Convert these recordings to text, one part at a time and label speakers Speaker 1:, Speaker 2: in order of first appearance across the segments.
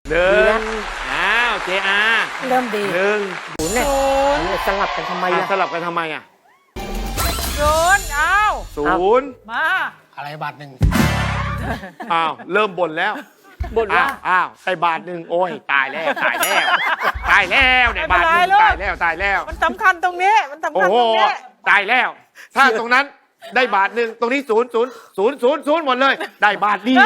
Speaker 1: หนึ่งอ้าวเจอา
Speaker 2: เริ่มดี
Speaker 1: หนึ่ง
Speaker 2: ศูนย์เนี่ยสลับกันทำไมล่ะ
Speaker 1: สลับกันทำไมอ่ะ
Speaker 3: ศูนย์เอา
Speaker 1: ศูนย์
Speaker 3: มา
Speaker 4: อะไรบาทหนึ่ง
Speaker 1: อ้าวเริ่มบ่นแล้ว
Speaker 2: บ่นว่า
Speaker 1: อ้าวใส่บาทหนึ่งโอ้ยตายแล้วตายแล้วตายแล้วเนี่ยบาทหนึ่งตายแล้วตายแล้ว
Speaker 3: มันสำคัญตรงนี้มันสำ
Speaker 1: โอ้
Speaker 3: คัญ
Speaker 1: โห
Speaker 3: ตรงนี้
Speaker 1: ตายแล้ว ถ้าตรงนั้นได้บาทหนึ่งตรงนี้ศูนย์ศูนย์ศูนย์ศูนย์ศูนย์หมดเลย ได้บาทเดียว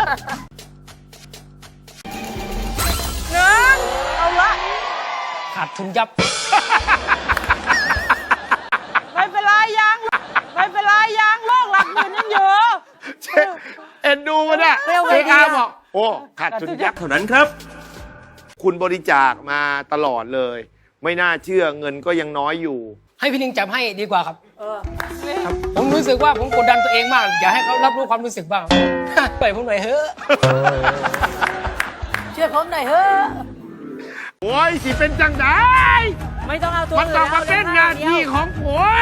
Speaker 3: หนึ่งเอาละ
Speaker 4: ขาดทุนยับ
Speaker 3: ไม่เป็นไรยังไม่เป็นไรยังโลกหลักหมื่นยังอยู่
Speaker 1: เอ็นดูมันอะเจอาบอกโอ้ขาดทุนยับเท่านั้นครับ คุณบริจาคมาตลอดเลย ไม่น่าเชื่อเงินก็ยังน้อยอยู่
Speaker 4: ให้พี่ลิงจับให้ดีกว่าครับครับผมรู้สึกว่าผมกดดันตัวเองมาก อยากให้เขารับรู้ความรู้สึกบ้าง ปล่อยผมหน่อยเฮ้อะ
Speaker 2: เชื่อผมหน่อยเฮ้อะ
Speaker 1: โอ้ยสิเป็นจังได
Speaker 2: ไม่ต้องเอาตัว
Speaker 1: มันต้องมาเป็นงานที่ของผัว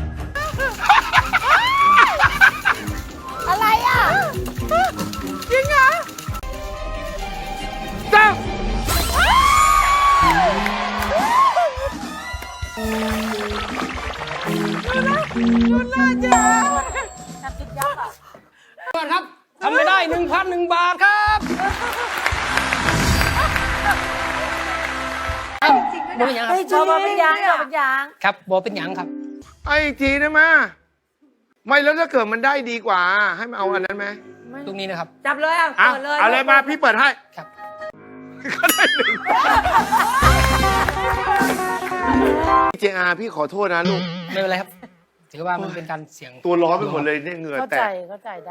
Speaker 2: อะไรอ่ะ
Speaker 3: จริงเหรอ
Speaker 1: เจ้า
Speaker 3: คุณน่าจะ
Speaker 4: ก่อนครับทำไม่ได้ 1,001 บาทครับบอเป็นหยังค
Speaker 2: ไอ้
Speaker 4: รับ
Speaker 2: ชอบมาเป็นยางชอบเป็นยาง
Speaker 4: ครับบอเป็นหยังครับ
Speaker 1: ไอ้อีกทีได้ไหมไม่แล้วถ้าเกิดมันได้ดีกว่า ให้มันเอาอันนั้นไหม
Speaker 4: ตรงนี้นะครับ
Speaker 2: จับเลยอ่ะ
Speaker 1: เอา
Speaker 2: เปิดเลย
Speaker 1: เอาเลยมาพี่เปิดให้
Speaker 4: ครับ
Speaker 1: ก็ได้หนึ่งเจอาพี่ขอโทษนะลูก
Speaker 4: ไม่เป็นไรครับ ถือว่ามันเป็นการเสี่ยง
Speaker 1: ตัวร้อนไปหมดเลยเนี่ยเหงื่อ
Speaker 2: เข้า
Speaker 1: แต
Speaker 2: ใจ
Speaker 1: ก
Speaker 2: เข้าใจได้